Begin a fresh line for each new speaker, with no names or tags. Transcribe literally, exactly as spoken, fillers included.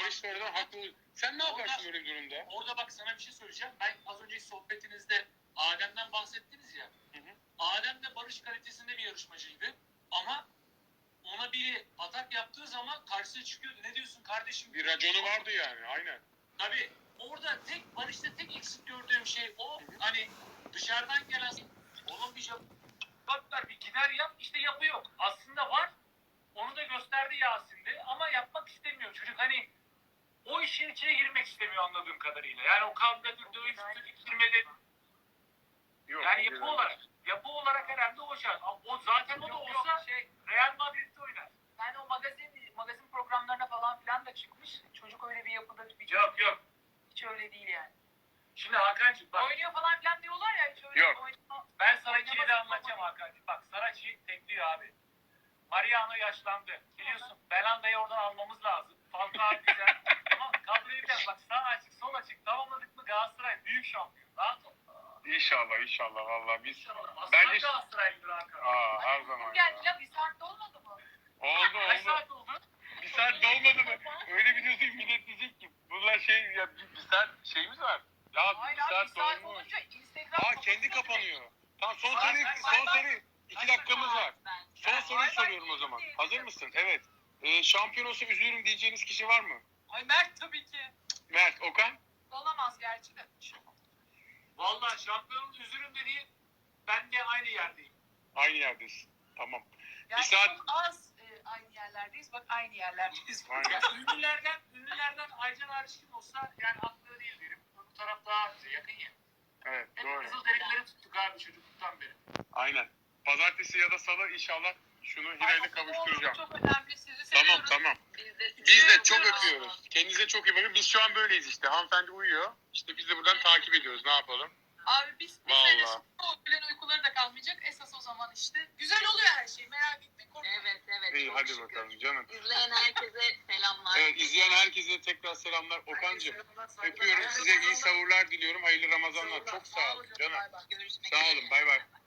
Barış sonradan haklı. Sen ne yaparsın
Orada-
böyle bir durumda?
Orada bak sana bir şey söyleyeceğim. Ben az önceki sohbetinizde Adem'den bahsettiniz ya.
Hı hı.
Adem de Barış kalitesinde bir yarışmacıydı. Ama ona biri atak yaptığı zaman karşısına çıkıyordu. Ne diyorsun kardeşim?
Bir raconu vardı yani, aynen.
Tabii orada tek Barış'ta tek eksik gördüğüm şey o.
Hı hı.
Hani dışarıdan gelen oğlum bir cevaplar bir gider yap işte yapı yok. Aslında var. Onu da gösterdi Yasin'de ama yapmak istemiyor. Çocuk hani o işin içine girmek istemiyor anladığım kadarıyla. Yani o kavgadır, dövüştür, ittirmedir.
Yok,
Yani
güzel.
yapı olarak, yapı olarak herhalde o şart. O zaten o da olsa şey, Real Madrid'de oynar.
Yani o magazin magazin programlarına falan filan da çıkmış. Çocuk öyle bir yapıda bir
Yok yok.
hiç öyle değil yani.
Şimdi Hakan'cığım bak.
Oynuyor falan filan diyorlar ya hiç öyle
Yok.
oynama-
Ben sana kilidi
oynaması
anlatacağım
falan.
Hakan'cığım. Bak Saraçi tekliyor abi. Mariano yaşlandı. Biliyorsun Belanda'yı oradan almamız lazım. Falcao güzel. Tamam kadroyu bak sağ açık sol açık tamamladık mı Galatasaray büyük şampiyon. Rahat ol.
İnşallah, inşallah vallahi biz.
İnşallah. Aslan
Bence-
Galatasaraylıdır Hakan.
Aa, her
Hani
zaman
bugün
ya.
geldi ya bir saatte olmadı mı?
Oldu
Kaç
oldu.
saat oldu?
Bir saat dolmadı mı? Öyle biliyorsun millet diyecek ki bunlar şey ya bir, bir saat şeyimiz var. Ya
Hayır
bir
abi bir
saat
saat
dolmuş.
olunca Instagram
Aa kendi kapanıyor. Tamam son
Ay,
soru
ay,
son
ay,
soru. İki dakikamız var. Son soruyu soruyorum o zaman. Hazır mısın? Evet. Ee, şampiyon olsa üzülürüm diyeceğiniz kişi var mı?
Ay Mert tabii ki.
Mert, Okan?
Olamaz gerçi de.
Vallahi şampiyonun üzülüm dediği ben de aynı yerdeyim.
Aynı yerdesin. Tamam.
Yani
saat-
çok az e, aynı yerlerdeyiz. Bak aynı yerlerdeyiz.
Aynen.
Ya ünlülerden, ünlülerden Aycan hariç kim olsa yani haklı değil derim. Bu taraf daha yakın ya.
Evet
Hep
doğru.
Kızılderilileri tuttuk abi çocukluktan beri.
Aynen. Pazartesi ya da salı inşallah şunu Hilal'le kavuşturacağım.
Çok önemli. Sizi
Tamam
seviyoruz.
tamam.
Biz de, sizi
Biz de çok
seviyoruz.
öpüyoruz. Kendinize çok iyi bakın. Biz şu an böyleyiz işte. Hanımefendi uyuyor. İşte biz de buradan takip ediyoruz. Ne yapalım?
Abi biz bir
Vallahi.
sene sonra o öğlen uykuları da kalmayacak. Esas o zaman işte. Güzel oluyor her şey. Merak etme. Korkma.
Evet evet.
İyi
çok
hadi
şükür.
bakalım canım.
İzleyen herkese selamlar.
Evet izleyen herkese tekrar selamlar. Okan'cığım öpüyorum. Size iyi sahurlar diliyorum. Hayırlı Ramazanlar. Çok sağ olun canım.
Bay bay.
Görüşmek
Sağ olun. Bay bay.